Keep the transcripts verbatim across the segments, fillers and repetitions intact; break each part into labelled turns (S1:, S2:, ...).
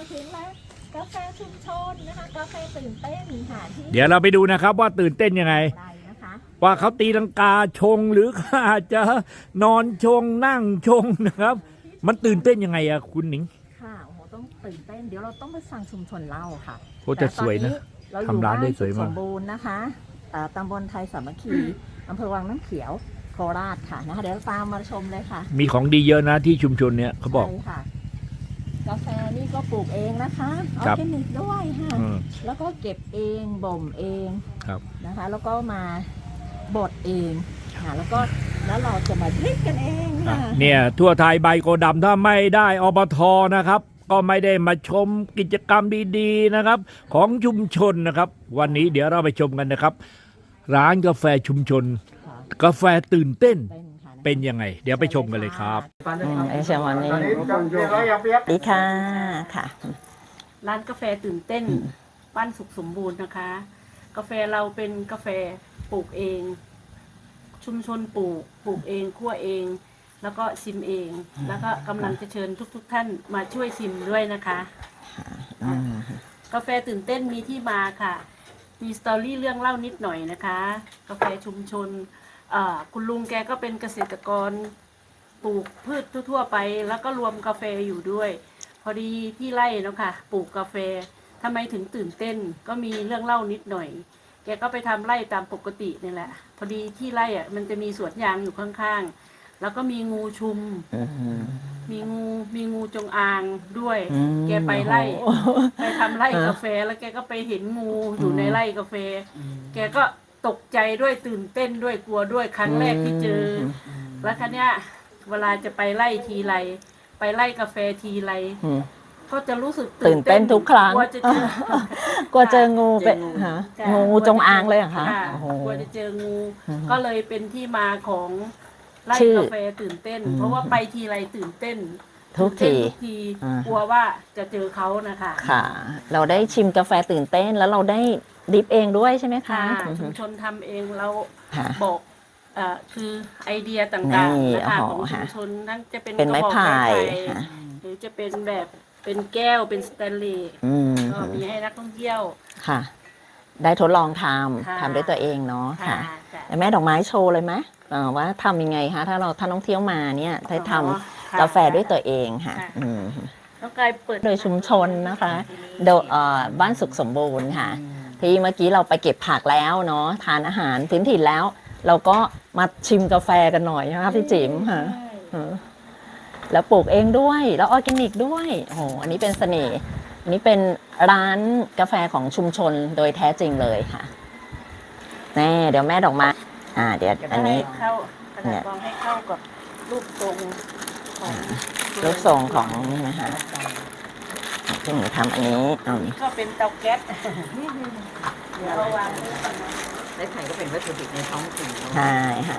S1: มาถึงแล้วกาแฟชุมชนนะคะกาแฟตื่นเต้นค่ะที่
S2: เดี๋ยวเราไปดูนะครับว่าตื่นเต้นยังไงว่าเขาตีลังกาชงหรืออาจจะนอนชงนั่งชงนะครับ มันตื่นเต้นยังไงอะคุณหนิง
S1: ค่ะโอ้โหต้องตื่นเต้นเดี๋ยวเราต้องไปฟังชุมชนเล่าค่ะ
S2: โอ้จะสวยนะทำร้านได้สวยมาก
S1: สมบูรณ์นะคะตำบลไทยสามัคคีอำเภอวังน้ำเขียวโคราชค่ะนะคะเดี๋ยวตามมาชมเลยค่ะ
S2: มีของดีเยอะนะที่ชุมชนเนี้ยเขาบอก
S1: ใช่ค่ะกาแฟนี่ก็ปลูกเองนะคะออร์แกนิกด้วยค่ะแล้วก็เก็บเองบ่มเองนะคะแล้วก็มาบดเองค่ะแล้วก็แล้วเราจะมาดริปกันเองค่ะ
S2: เนี่ยทั่วไทยใบโกดำถ้าไม่ได้อบทนะครับก็ไม่ได้มาชมกิจกรรมดีๆนะครับของชุมชนนะครับวันนี้เดี๋ยวเราไปชมกันนะครับร้านกาแฟชุมชนกาแฟตื่นเต้นเป็นยังไงเดี๋ยวไปชมกันเลยครับ
S1: ไอเชวันนี้ดีค่ะค่ะ
S3: ร้านกาแฟตื่นเต้นบ้านสุขสมบูรณ์นะคะกาแฟเราเป็นกาแฟปลูกเองชุมชนปลูกปลูกเองคั่วเองแล้วก็ชิมเองแล้วก็กำลังจะเชิญทุกๆท่านมาช่วยชิมด้วยนะคะกาแฟตื่นเต้นมีที่มาค่ะมีสตอรี่เรื่องเล่านิดหน่อยนะคะกาแฟชุมชนคุณลุงแกก็เป็นเกษตรกรปลูกพืชทั่วๆไปแล้วก็รวมกาแฟอยู่ด้วยพอดีที่ไร่เนาะค่ะปลูกกาแฟทำไมถึงตื่นเต้นก็มีเรื่องเล่านิดหน่อยแกก็ไปทำไร่ตามปกตินี่แหละพอดีที่ไร่อ่ะมันจะมีสวนยางอยู่ข้างๆแล้วก็มีงูชุมมีงูมีงูจงอางด้วยแกไปไร่ไปทำไร่กาแฟแล้วแกก็ไปเห็นงูอยู่ในไร่กาแฟแกก็ตกใจด้วยตื่นเต้นด้วยกลัวด้วยครั้งแรกที่เจอแล้วคันเนี้ยเวลาจะไปไล่ทีไรไปไล่กาแฟทีไรก็จะรู้สึก
S1: ตื่นเต้นทุกครั้ง
S3: กลัวจะเจ
S1: อกลัวเจองูเป็นงูจงอางเลยเหรอคะ
S3: กลัวจะเจองูก็เลยเป็นที่มาของไล่กาแฟตื่นเต้นเพราะว่าไปทีไรตื่นเต้น
S1: ทุกที
S3: กลัวว่าจะเจอเขานะคะ
S1: ค่ะเราได้ชิมกาแฟตื่นเต้นแล้วเราได้ดริปเองด้วยใช่ไหมคะ
S3: ชุมชนทำเองเราบอกคือไอเดียต่างๆนะคะของชุมชนนั่นจะเป็น
S1: เป็นไม้ไผ่
S3: หรือจะเป็นแบบเป็นแก้วเป็นสแตนเลสก็มีให้นักท่องเที่ยว
S1: ค่ะได้ทดลองทำทำด้วยตัวเองเนาะค่ะแม่ดอกไม้โชว์เลยไหมว่าทำยังไงคะถ้าเราถ้าท่องเที่ยวมาเนี่ยได้ทำกาแฟด้วยตัวเองค่ะ
S3: ต้องกลายเปิด
S1: โดยชุมชนนะคะโดยบ้านสุขสมบูรณ์ค่ะที่เมื่อกี้เราไปเก็บผักแล้วเนาะทานอาหารพื้นถิ่นแล้วเราก็มาชิมกาแฟกันหน่อยนะคะพี่จิ๋มค่ะแล้วปลูกเองด้วยแล้วออร์แกนิกด้วยโอ้โหอันนี้เป็นเสน่ห์อันนี้เป็นร้านกาแฟของชุมชนโดยแท้จริงเลยค่ะแน่เดี๋ยวแม่ดอกไม้อ่าเดี๋ยวอันนี้
S3: เข้าเนี่ยลองให้เข้ากับรูปทรงของ
S1: รูปทรงของนี่นะคะที่หนูทำอันนี้
S3: อันนี้ก็เป็นเตาแก๊สเดี๋ยวเราวาง
S4: ไม้ไผ่ก็เป็นวัตถุดิบในท้องถิ่น
S1: ใช่ค่ะ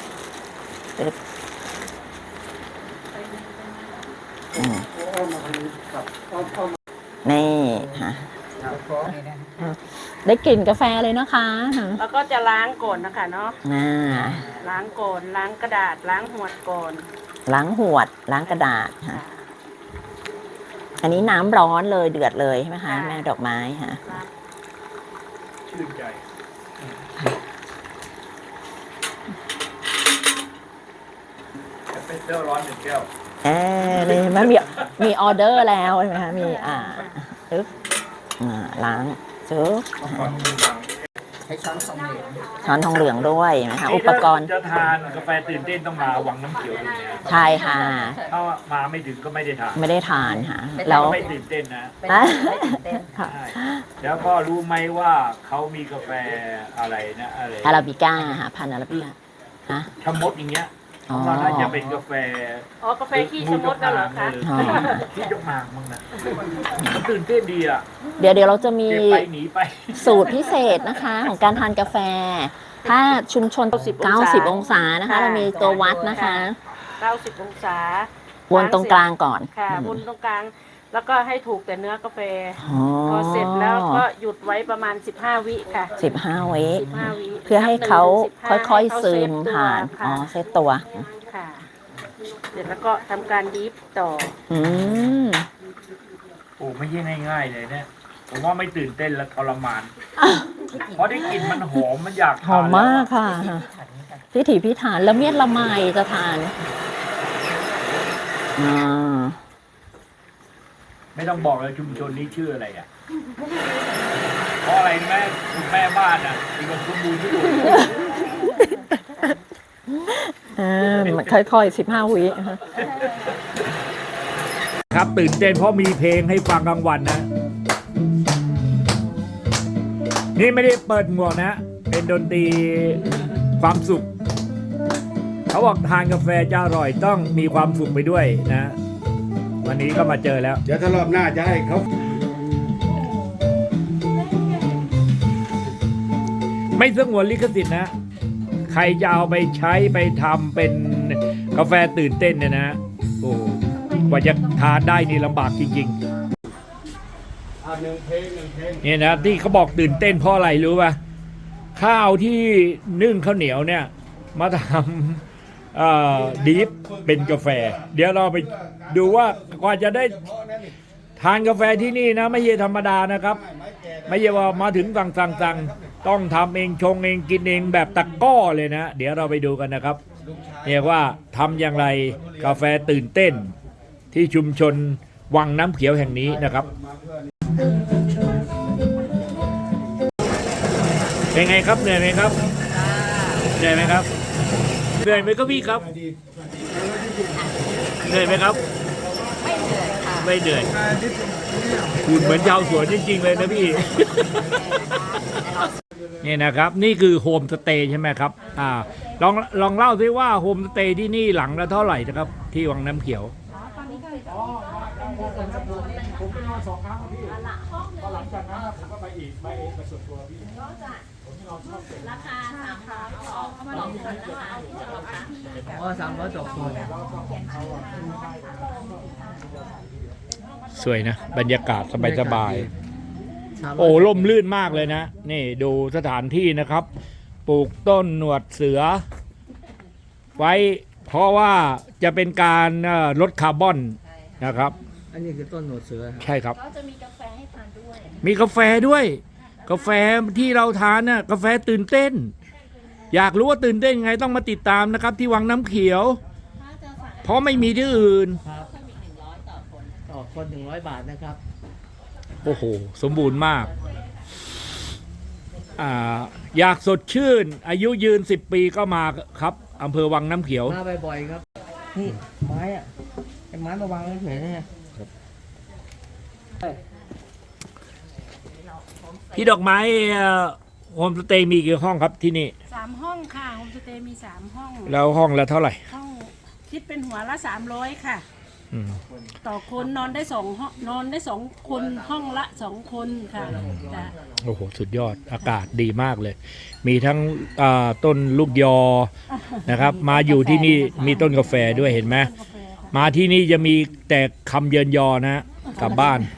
S1: นี่ค่ะได้กลิ่นกาแฟเลยนะคะ
S3: แล้วก็จะล้างก่อนนะคะเนาะล้างก่อนล้างกระดาษล้างหวดก่อน
S1: ล้างหวดล้างกระดาษค่ะอันนี้น้ำร้อนเลยเดือดเลยใช่ไหมคะแม่ดอกไม้ค่ะ
S2: ชื่นใจเป็นเจ้าร้อนหนึ่งแก้ว
S1: เออเลยมันมีมีออเดอร์แล้วใช่ไหมคะมีอ่าปึ๊บอ่าล้างจึ๊บ
S4: ใช้ช้อนทองเหลือง
S1: ช้อนทองเหลืองด้วยนะคะอุปกรณ์
S2: จะทานกาแฟตื่นเต้นต้องมาวังน้ำเขียวดูเนี่ย
S1: ใช่ค่ะ
S2: ถ้ามาไม่ถึงก็ไม่ได้ทาน
S1: ไม่ได้ทานค่ะ
S2: แล้วไม่ตื่นเต้นนะแล้วก็รู้ไหมว่าเขามีกาแฟอะไรนะอะไร
S1: อาราบิก้าค่ะพันธุ์อาราบิก้าฮะ
S2: ชะมดอย่างเงี้ยว่าน่าจะเป็นกาแฟ
S3: อ๋อกาแฟขี้ชะมดกันเหรอคะ
S2: ขี้ยกหมากมึงนะมันตื่นเต้นดีอ่ะ
S1: เดี๋ยวเดี๋ยวเราจะมี
S2: หนีไป
S1: สูตรพิเศษนะคะของการทานกาแฟถ้าชุมชนเก้าสิบองศานะคะเรามีตัววัดนะคะ
S3: เก้าสิบองศา
S1: วนตรงกลางก่อน
S3: ค่ะวนตรงกลางแล้วก็ให้ถูกแต่เนื้อกาแฟพอเสร็จแล้วก็หยุดไว้ประมาณสิบห้าวิค่ะ
S1: สิบห้าวิเพื่อให้เขาค่อยๆซึมผ่านอ๋อเซตตัว
S3: ค่ะเสร็จแล้วก็ทำการดิฟต่อ
S1: อืม
S2: ปลูกไม่ใช่ง่ายๆเลยเนี่ยผมว่าไม่ตื่นเต้นและทรมาน เพราะได้กลิ่นมันหอมมันอยาก
S1: หอ
S2: ทาม น
S1: มากค่ะ พิถีพิถันแล้วเมียดละไมจะทานอ่า
S2: ไม่ต้องบอกเลยชุมชนนี้ชื่ออะไรอ่ะเพราะอะไรแม่คุณแม่บ้านอ่ะมีคนสมบูรณ์ที่สุด
S1: อ่าค่อยๆสิบห้าวิ
S2: ครับตื่นเต้นเพราะมีเพลงให้ฟังกลางวันนะ นี่ไม่ได้เปิดหมวกนะ เป็นดนตรีความสุข เขาบอกทานกาแฟจะอร่อยต้องมีความสุขไปด้วยนะ วันนี้ก็มาเจอแล้ว
S5: เดี๋ยวถ้ารอบหน้าจะให้เขา
S2: ไม่สงวนลิขสิทธิ์นะ ใครจะเอาไปใช้ไปทำเป็นกาแฟตื่นเต้นเนี่ยนะ โอ้กว่าจะทานได้นี่ลำบากจริง
S5: อ่าหนึ่งเพลงหนึ่งเพลง
S2: ๆเนี่ยนะที่เขาบอกตื่นเต้นเพราะอะไรรู้ป่ะข้าวที่นึ่งข้าวเหนียวเนี่ย มาทำเอ่อดิฟเป็นกาแฟ เดี๋ยวเราไปดูว่ากว่าจะได้ทานกาแฟที่นี่นะ ไม่ใช่ธรรมดานะครับ ไม่ใช่ว่ามาถึงสั่งสั่งสั่งต้องทำเองชงเองกินเองแบบตะกร้อเลยนะ เดี๋ยวเราไปดูกันนะครับเรียกว่าทำอย่างไรกาแฟตื่นเต้นที่ชุมชนวังน้ำเขียวแห่งนี้นะครับ เป็นไงครับเหนื่อยไหมครับเหนื่อยไหมครับเหนื่อยไหมครับพี่ครับเหนื่อยไหมครับไม่เหนื่อยค่ะไม่เหนื่อยคุณเหมือนชาวสวนจริงๆเลยนะพี่ นี่นะครับนี่คือโฮมสเตย์ใช่ไหมครับอ่าลองลองเล่าซิว่าโฮมสเตย์ที่นี่หลังละเท่าไหร่นะครับ ที่วังน้ำเขียวผมไปนอนสองครั้งพี่พอหลังจากนั้นผมก็ไปอีกไปเองไปส่วนตัวพี่ผมนอนชอบราคาสามร้อยสองเขามาลองกันนะคะอ๋อสามร้อยสองคนสวยนะบรรยากาศสบายๆโอ้ร่มรื่นมากเลยนะนี่ดูสถานที่นะครับปลูกต้นหนวดเสือไว้เพราะว่าจะเป็นการลดคาร์บอนนะครับ
S6: อันนี้คือต้นหนวดเสือ
S2: ใช่ครับ
S7: ก็จะมีกาแฟให้ทานด้วย
S2: มีกาแฟด้วย กาแฟที่เราทานน่ะกาแฟตื่นเต้น อยากรู้ว่าตื่นเต้นยังไงต้องมาติดตามนะครับ ที่วังน้ำเขียว เพราะไม่มีที่อื่น
S6: ครับต่อคนหนึ่งร้อยบาทนะครับ
S2: โอ้โห สมบูรณ์มากอ่าอยากสดชื่น อายุยืนสิบปีก็มาครับอำเภอวังน้ำเขียว
S6: มาบ่อยๆครับ นี่ไม้อะไอ้ไม้มาวางเฉยๆเนี่ย
S2: พี่ดอกไม้โฮมสเตย์มีกี่ห้องครับที่นี่
S3: สามห้องค่ะโฮมสเตย์มีสามห้อง
S2: แล้วห้องละเท่าไหร่
S3: ห้องคิดเป็นหัวละสามร้อยค่ะ
S2: อืม
S3: ต่อคนนอนได้สองห้องนอนได้สองคนห้องละสองคนค่ะจ้ะ
S2: โอ้โห สุดยอดอากาศดีมากเลย มีทั้งอ่าต้นลูกยอนะครับ มาอยู่ที่นี่มีต้นกาแฟด้วยเห็นไหม
S3: กาแฟค่ะ
S2: มาที่นี่จะมีแต่คำเยินยอนะกลับบ้าน